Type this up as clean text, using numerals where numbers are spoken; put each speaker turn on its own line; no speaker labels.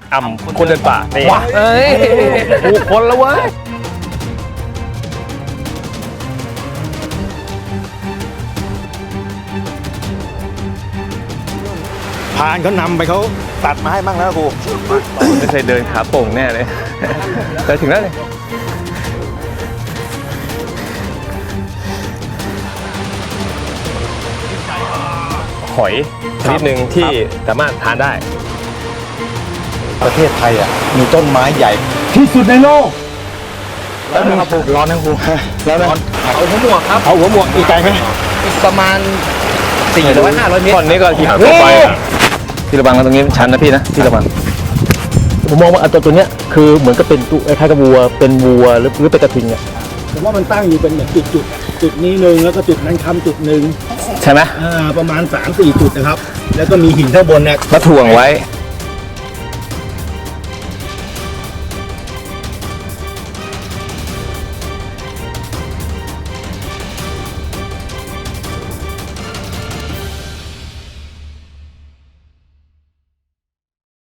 อ่ำคนเดินป่านี่
ว้าเอ้ยถูกคนแล้วเว้ย
พานเขานำไปเขาตัดมาให้บ้างแล้วครู
ไม่เคยเดินขาโป่งแน่เลย แต่ถึงแล้วเลยหอยชนิดหนึ่งที่สามารถทานได้
ประเทศไทยอ่ะมีต้นไม้ใหญ่ที่สุดในโลก
แล้วนึงครับร้อนนะครู
แล้วนะ
เอาหัวหมวกครับ
เอาหัวหมวกอีกไกลไหม
อีกประมาณ400-500 เมตร
ก่อนนี้ก็ขี่หางต่อไปอะพี่ระวังนะตรงนี้ชันนะพี่นะพี่ระวัง
ผมมองว่าอันตัวเนี้ยคือเหมือนกับเป็นตัวคล้ายๆกับวัวเป็นวัวหรือเป็นกระทิงอ่ะ
ผมว่ามันตั้งอยู่เป็นแบบจุดนี้หนึ่งแล้วก็จุดนั้นคำจุดหนึ่ง
ใช่ไหม
ประมาณ 3-4 จุดนะครับแล้วก็มีหินข้างบนเนี่ย
มาถ่วงไว้